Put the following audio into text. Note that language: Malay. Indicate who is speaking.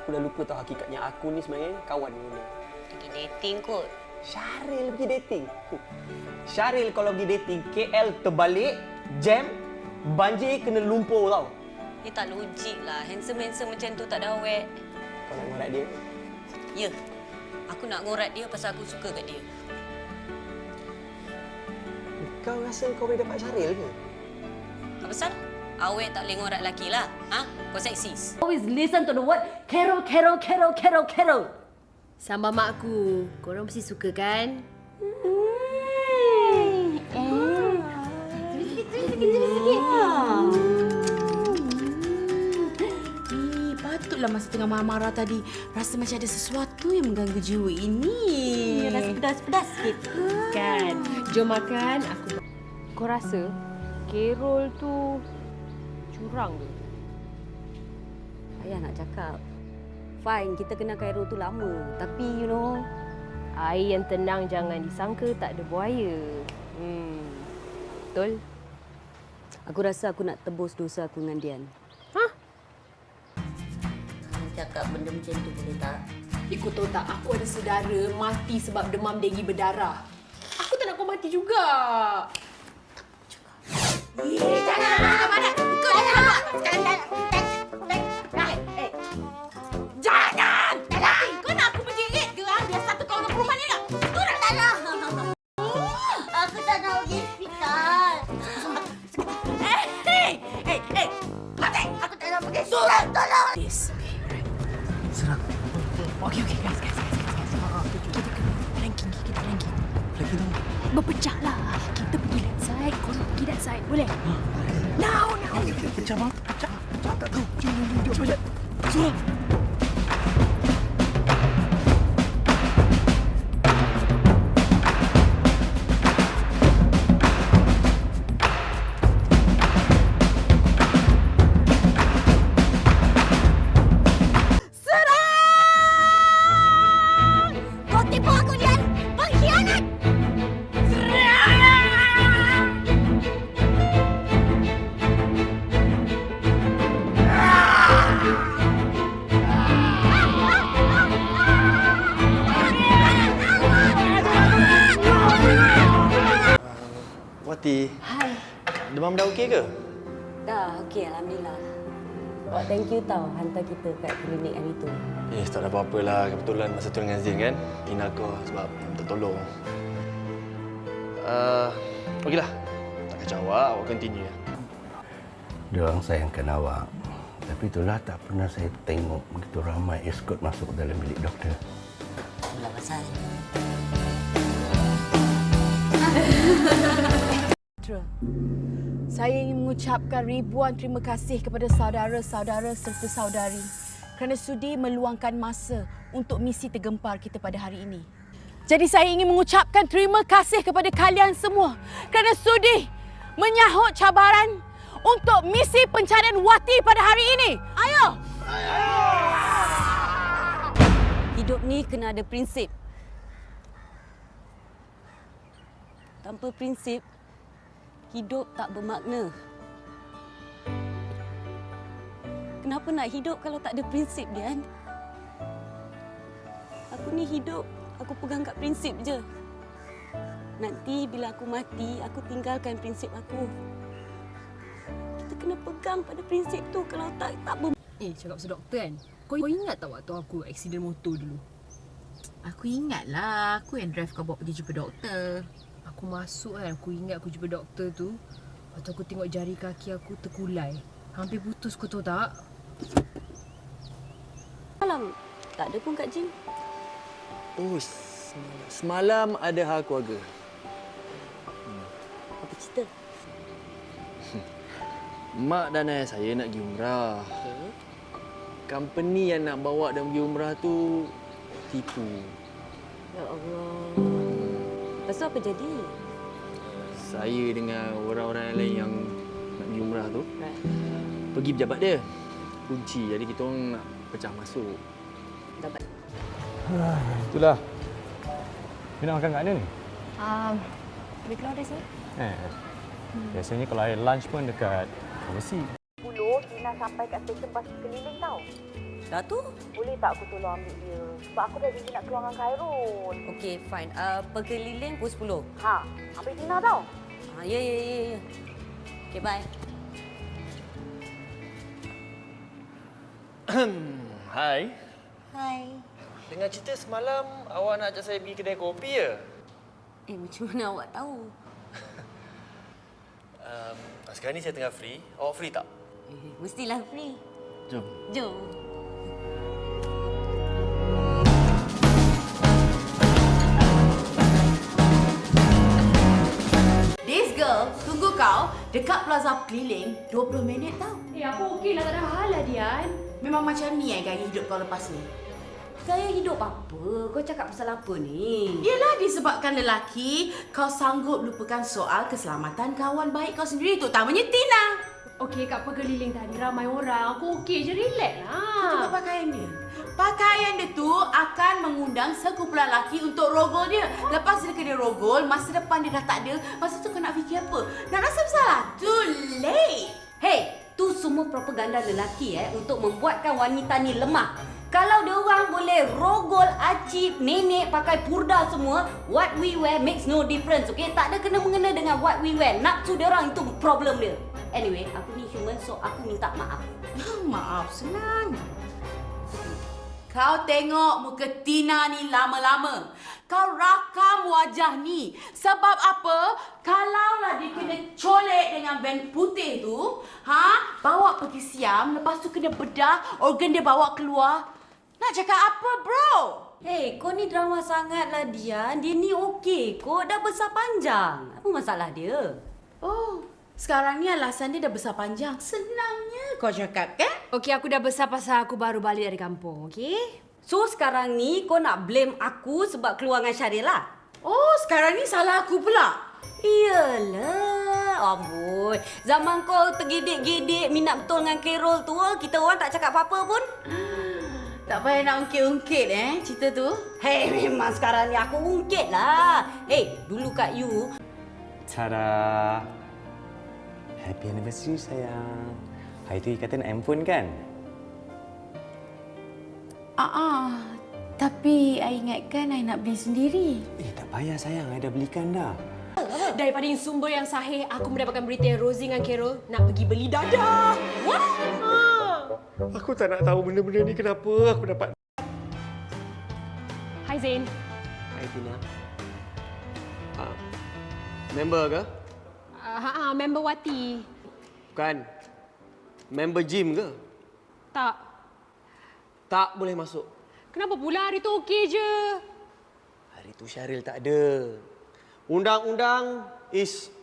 Speaker 1: aku dah lupa tahu hakikatnya aku ni sebenarnya kawan dengan dia.
Speaker 2: Pergi dating kot.
Speaker 1: Syaril pergi dating. Syaril kalau pergi dating, KL terbalik, jam, banjir kena lumpur tau.
Speaker 2: Dia tak logik lah. Handsome-handsome macam tu tak ada awet.
Speaker 1: Kau nak ngorat dia?
Speaker 2: Ya. Aku nak ngorat dia pasal aku suka kat dia.
Speaker 1: Kau rasa kau boleh dapat Syaril ke?
Speaker 2: Apa pasal? Awet tak boleh ngorat lelaki lah. Ha? Kau seksis.
Speaker 3: Always listen to the word Carol, Carol, Carol, Carol, Carol. Sambal mak aku. Korang mesti suka kan?
Speaker 4: Patutlah masa tengah marah-marah tadi rasa macam ada sesuatu yang mengganggu jiwa ini.
Speaker 3: Rasa pedas-pedas sikit. Kan? Jom makan. Aku.
Speaker 5: Kau rasa Carol tu curang ke?
Speaker 3: Ayah nak cakap. Fine, kita kenal Cairo tu lama. Tapi you know,
Speaker 5: Air yang tenang jangan disangka tak ada buaya. Betul?
Speaker 3: aku rasa aku nak tebus dosa aku dengan Dian.
Speaker 2: Cakap benda macam tu boleh tak?
Speaker 4: Ikut tahu tak, aku ada saudara mati sebab demam denggi berdarah. Aku tak nak kau mati juga. Jangan! Mana? Kau jangan! Jangan! Kau nak aku menjerit ke? Biar satu kau dengan perempuan ni tak? Turun tak nak!
Speaker 2: Aku tak nak pergi hospital.
Speaker 4: Mati!
Speaker 2: Aku tak nak pergi surat, tolong!
Speaker 1: Serang.
Speaker 4: Okey, guys. Kita kena ranking.
Speaker 1: Lagi tu.
Speaker 4: Berpecah lah. Kita pergi left side, korang pergi left side. Boleh? Now.
Speaker 1: Pecah, Mak. Pecah. Tak tahu. Jom. Cepat. Suruh.
Speaker 2: Kau tipu aku, Dian! Pengkhianat!
Speaker 1: Wati.
Speaker 3: Hai.
Speaker 1: Demam dah okey ke?
Speaker 3: Dah, okey. Alhamdulillah. Awak thank you tau hantar kita kat klinik hari tu.
Speaker 1: Tak ada apa-apa lah. Kebetulan masa tu dengan Zain kan. Tina kau sebab minta tolong. Okeylah. Tak kacau awak continue ya.
Speaker 6: Diorang sayangkan awak. Tapi itulah tak pernah saya tengok begitu ramai eskort masuk dalam bilik doktor.
Speaker 2: Itulah pasal.
Speaker 4: Saya ingin mengucapkan ribuan terima kasih kepada saudara-saudara serta saudari kerana sudi meluangkan masa untuk misi tergempar kita pada hari ini. Jadi saya ingin mengucapkan terima kasih kepada kalian semua kerana sudi menyahut cabaran untuk misi pencarian Wati pada hari ini. Ayo!
Speaker 3: Hidup ni kena ada prinsip. Tanpa prinsip, hidup tak bermakna. Kenapa nak hidup kalau tak ada prinsip, Dian? Aku ni hidup, aku pegang kat prinsip je. Nanti bila aku mati, aku tinggalkan prinsip aku. Kita kena pegang pada prinsip tu, kalau tak
Speaker 5: Cakap pasal doktor kan? Kau ingat tak waktu aku aksiden motor dulu?
Speaker 4: Aku ingatlah, aku yang drive kau bawa pergi jumpa doktor.
Speaker 5: Aku masuk kan, aku ingat aku jumpa doktor tu. Waktu aku tengok jari kaki aku terkulai. Hampir putus, kau tahu tak?
Speaker 3: malam tak ada pun kat gym.
Speaker 1: Semalam ada hal keluarga.
Speaker 3: Apa cerita?
Speaker 1: Mak dan ayah saya nak pergi umrah. Company yang nak bawa dan pergi umrah tu tipu.
Speaker 3: Ya Allah. Lepas tu apa jadi?
Speaker 1: Saya dengan orang-orang lain yang nak pergi umrah tu
Speaker 3: Right.
Speaker 1: pergi pejabat dia. Kunci. Jadi kita orang nak pecah masuk.
Speaker 3: Dapat.
Speaker 7: Itulah. You nak makan kat mana ni?
Speaker 5: Boleh keluar dari sini?
Speaker 7: Biasanya kalau air lunch pun dekat pharmacy.
Speaker 8: 10, Tina sampai kat stesen bas keliling tau.
Speaker 2: Dah tu?
Speaker 4: Boleh tak aku tolong ambil dia? Sebab aku dah janji nak keluar dengan Khairul.
Speaker 2: Okey, fine. Perkeliling pukul 10.
Speaker 4: Ha, ambil Tina tau.
Speaker 2: Ya. Okey, bye.
Speaker 8: Hai.
Speaker 2: Hai.
Speaker 8: Dengar cerita semalam awak nak ajak saya pergi kedai kopi ya?
Speaker 2: Macam mana awak tahu?
Speaker 8: Sekarang ni saya tengah free. Awak free tak?
Speaker 2: Mestilah free.
Speaker 8: Jom.
Speaker 2: Jom.
Speaker 4: This girl tunggu kau dekat plaza keliling 20 minit tau.
Speaker 5: Apa okey lah, tak ada hal lah, Dian.
Speaker 4: Memang macam ni gaya hidup kau lepas ni.
Speaker 2: Gaya hidup apa? Kau cakap pasal apa ni?
Speaker 4: Yelah, disebabkan lelaki, kau sanggup lupakan soal keselamatan kawan baik kau sendiri, terutamanya Tina.
Speaker 5: Okey, kat pergeliling tadi ramai orang. Aku okey je, relax
Speaker 4: Tengok
Speaker 5: lah.
Speaker 4: pakaian dia. Pakaian dia tu akan mengundang sekumpulan lelaki untuk rogol dia. Lepas dia kena rogol, masa depan dia dah tak ada. Masa tu kau nak fikir apa? Nak rasa bersalah? Too late.
Speaker 2: Hey, tu semua propaganda lelaki untuk membuatkan wanita ni lemah. Kalau dia orang boleh rogol, acip, nenek pakai purda semua, what we wear makes no difference, okay? Tak ada kena-mengena dengan what we wear. Nafsu dia orang itu problem dia. Anyway, aku ni human, so aku minta maaf.
Speaker 4: Maaf, senang. Kau tengok muka Tina ni lama-lama. Kau rakam wajah ni. Sebab apa? Kalaulah dia kena colek dengan van putih tu, bawa pergi Siam, lepas tu kena bedah, organ dia bawa keluar. Nak cakap apa, bro?
Speaker 2: Hey, kau ni drama sangat lah, Dian. Dia ni okey kau, dah besar panjang. Apa masalah dia?
Speaker 4: Oh, sekarang ni alasan dia dah besar panjang. Senangnya kau cakap, kan?
Speaker 5: Okey, aku dah besar pasal aku baru balik dari kampung, okey?
Speaker 2: So, sekarang ni kau nak blame aku sebab keluar dengan Syaril lah?
Speaker 4: Oh, sekarang ni salah aku pula.
Speaker 2: Iyalah, amboi. Zaman kau tergedik-gedik minat betul dengan Carol tu, kita orang tak cakap apa-apa pun.
Speaker 4: Tak payah nak ungkit-ungkit cerita tu.
Speaker 2: Hei, memang sekarang ni aku ungkit lah. Hei, dulu kat you.
Speaker 1: Tada! Happy anniversary sayang. Hari tu ikatan handphone kan?
Speaker 4: Tapi I ingatkan I nak beli sendiri.
Speaker 1: Tak payah sayang, I dah belikan dah.
Speaker 5: Daripada sumber yang sahih, aku mendapatkan berita yang Rosie dengan Carol nak pergi beli dadah. What?
Speaker 8: Aku tak nak tahu benda-benda ni kenapa aku dapat.
Speaker 5: Hai Zain.
Speaker 8: Hai Tina. Member ke?
Speaker 5: Member Wati.
Speaker 8: Bukan. Member gym ke?
Speaker 5: Tak.
Speaker 8: Tak boleh masuk.
Speaker 5: Kenapa pula hari tu okey je?
Speaker 8: Hari tu Syaril tak ada. Undang-undang is